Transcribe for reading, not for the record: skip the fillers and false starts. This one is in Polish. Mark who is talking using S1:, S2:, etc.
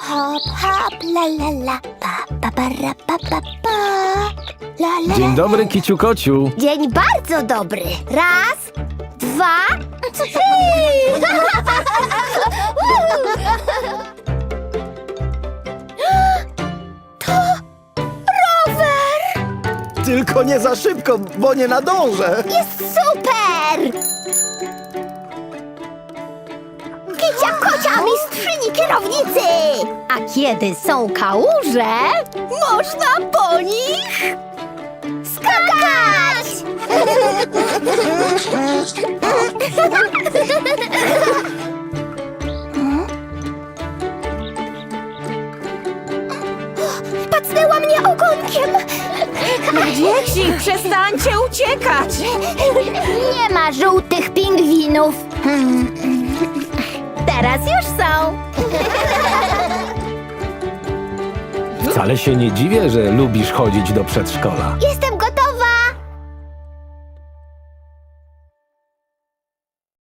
S1: Hop, hop, la la la, pa, pa, ra, pa, pa, pa. La, la,
S2: Dzień
S1: la,
S2: dobry,
S1: la.
S2: kiciu kociu.
S1: Dzień bardzo dobry. Raz, dwa, trzy. To rower!
S3: Tylko nie za szybko, bo nie nadążę.
S1: Jest super! Kicia kocia mistrzyni kierownicy! A kiedy są kałuże, można po nich skakać! Pacnęła mnie ogonkiem!
S4: Dzieci, przestańcie uciekać!
S1: Nie ma żółtych pingwinów! Teraz już są!
S2: Wcale się nie dziwię, że lubisz chodzić do przedszkola.
S1: Jestem